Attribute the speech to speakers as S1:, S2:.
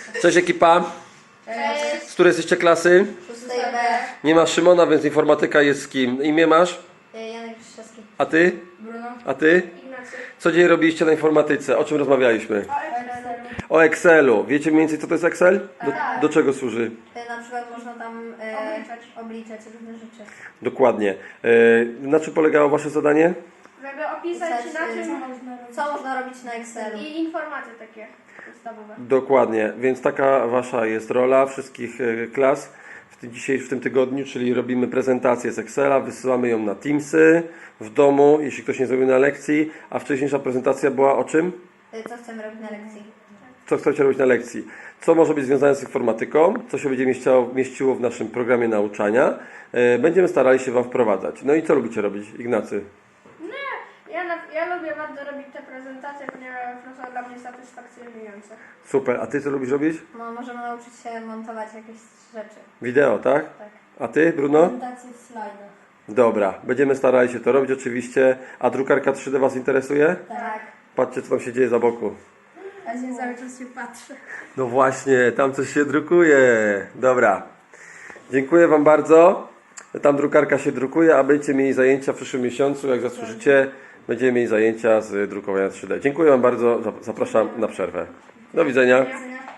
S1: Cześć ekipa.
S2: Cześć.
S1: Z której jesteście klasy?
S2: 6B.
S1: Nie ma Szymona, więc informatyka jest z kim? Imię masz?
S2: Janek Krzyszowski.
S1: A ty?
S2: Bruno.
S1: A ty?
S2: Ignacy.
S1: Co dzień robiliście na informatyce? O czym rozmawialiśmy? O Excelu. Wiecie mniej więcej co to jest Excel? Do czego służy?
S2: Na przykład można tam obliczać różne rzeczy.
S1: Dokładnie. Na czym polegało wasze zadanie?
S3: Żeby opisać na czym
S2: Co można robić na Excelu?
S3: i informacje takie podstawowe.
S1: Dokładnie, więc taka wasza jest rola wszystkich klas w tym tygodniu, czyli robimy prezentację z Excela, wysyłamy ją na Teamsy w domu, jeśli ktoś nie zrobił na lekcji, a wcześniejsza prezentacja była o czym?
S2: Co chcemy robić na lekcji?
S1: Co chcecie robić na lekcji? Co może być związane z informatyką? Co się będzie mieściło w naszym programie nauczania? Będziemy starali się wam wprowadzać. No i co lubicie robić, Ignacy?
S3: Ja lubię bardzo robić te prezentacje, ponieważ to są dla mnie satysfakcjonujące.
S1: Super, a ty co lubisz robić?
S2: No, możemy nauczyć się montować jakieś rzeczy.
S1: Wideo, tak?
S2: Tak.
S1: A ty, Bruno?
S2: Prezentacje w slajdach.
S1: Dobra, będziemy starali się to robić oczywiście. A drukarka 3D was interesuje?
S2: Tak.
S1: Patrzcie, co tam się dzieje za boku.
S3: Ja się cały czas się patrzę.
S1: No właśnie, tam coś się drukuje. Dobra. Dziękuję wam bardzo. Tam drukarka się drukuje, a będziecie mieli zajęcia w przyszłym miesiącu. Jak zasłużycie, będziemy mieli zajęcia z drukowania 3D. Dziękuję wam bardzo. Zapraszam na przerwę. Do widzenia.
S3: Ja.